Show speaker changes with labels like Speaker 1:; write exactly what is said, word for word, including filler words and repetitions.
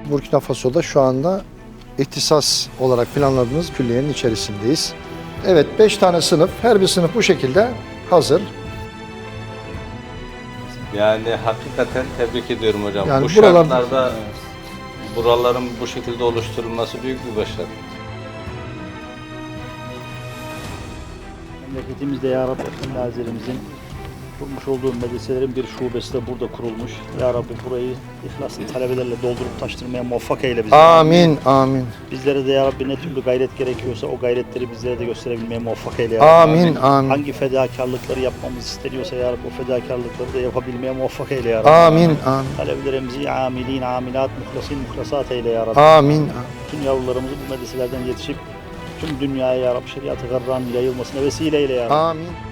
Speaker 1: Burkina Faso'da şu anda ihtisas olarak planladığımız külliyenin içerisindeyiz. Evet, beş tane sınıf, her bir sınıf bu şekilde hazır.
Speaker 2: Yani hakikaten tebrik ediyorum hocam.
Speaker 1: Yani
Speaker 2: bu
Speaker 1: buralar-
Speaker 2: şartlarda buraların bu şekilde oluşturulması büyük bir başarı.
Speaker 3: Memleketimizde Ya Rabbi Efendi Hazretlerimizin kurmuş olduğu medreselerin bir şubesi de burada kurulmuş. Ya Rabbi burayı ihlaslı talebelerle doldurup taştırmaya muvaffak eyle bizi.
Speaker 1: Amin, amin.
Speaker 3: Bizlere de Ya Rabbi ne türlü gayret gerekiyorsa o gayretleri bizlere de gösterebilmeye muvaffak eyle Ya Rabbi.
Speaker 1: Amin, amin.
Speaker 3: Hangi fedakarlıkları yapmamız isteniyorsa Ya Rabbi o fedakarlıkları da yapabilmeye muvaffak eyle Ya Rabbi.
Speaker 1: Amin, amin.
Speaker 3: Talebelerimizi amilin, amilat, muhlasin, muhlasat eyle Ya Rabbi.
Speaker 1: Amin.
Speaker 3: Tüm yavrularımızı bu medreselerden yetişip tüm dünyaya Ya Rabbi şeriat-ı garranın yayılmasına vesile eyle Ya Rabbi.
Speaker 1: Amin.